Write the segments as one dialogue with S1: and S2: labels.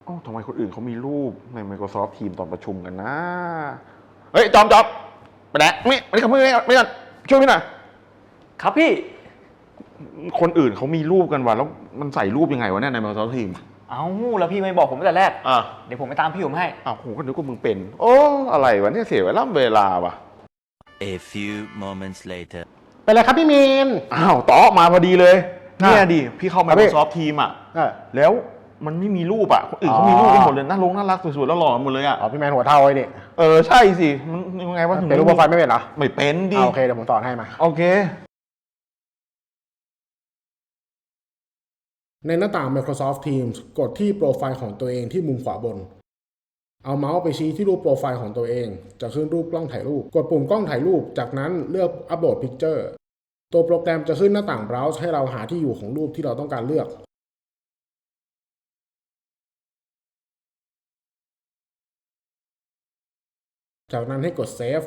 S1: อ๋อทำไมคนอื่นเขามีรูปใน Microsoft Teams ตอนประชุมกันนะเฮ้ยจอมไปไหนไม่ขับมือไม่ก่อนช่วยพี่หน่อย
S2: ครับพี่
S1: คนอื่นเขามีรูปกันว่ะแล้วมันใส่รูปยังไงวะเนี่ยใน Microsoft Teams
S2: เอ้าแล้วพี่ไม่บอกผมตั้งแต่แรก
S1: อ่ะ
S2: เดี๋ยวผมไปตามพี่ผมให้
S1: อ้าวโหก็นึกว่ามึงเป็นโอ้อะไรวะเนี่ยเสียเวลาว่ะ
S3: A few moments later
S4: เป็นไรครับพี่มีน
S1: อ้าวต่อมาพอดีเลยเนี่ยดิพี่เข้า Microsoft Teams อ่ะแล้วมันไม่มีรูปอ่ะคนอื่นเขามีรูปกันหมดเลยน่ารักสวยๆแล้วหล่อหมดเลยอ่ะ
S4: อ๋อพี่แมนหัวเท่าไอ้นี่
S1: ใช่สิมันยังไงวะถึง
S4: เป็นรูปโปรไฟล์ไม่เป็นเหรอ
S1: ไม่เป็นดิ
S4: โอเคเดี๋ยวผมสอนให้มา
S1: โอเค
S4: ในหน้าต่าง Microsoft Teams กดที่โปรไฟล์ของตัวเองที่มุมขวาบนเอาเมาส์ไปชี้ที่รูปโปรไฟล์ของตัวเองจะขึ้นรูปกล้องถ่ายรูปกดปุ่มกล้องถ่ายรูปจากนั้นเลือก Upload Picture ตัวโปรแกรมจะขึ้นหน้าต่าง Browse ให้เราหาที่อยู่ของรูปที่เราต้องการเลือกจากนั้นให้กด Save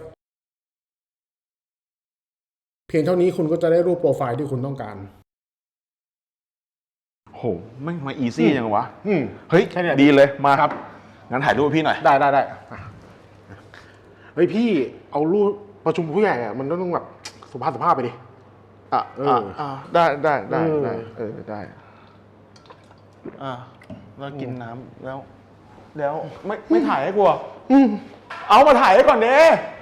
S4: เพียงเท่านี้คุณก็จะได้รูปโปรไฟล์ที่คุณต้องการ
S1: โหไม่มาอีซี่ยังวะเฮ้ยดีเลยมาครับงั้นถ่ายรูปพี่หน่อย
S4: ได้เฮ้ยพี่เอารูปประชุมผู้ใหญ่อะมันต้องแบบสุภาพไปดิ
S1: ได้แล้วกินน้ำแล้วไม่ถ่ายให้กูเอามาถ่ายให้ก่อนเด้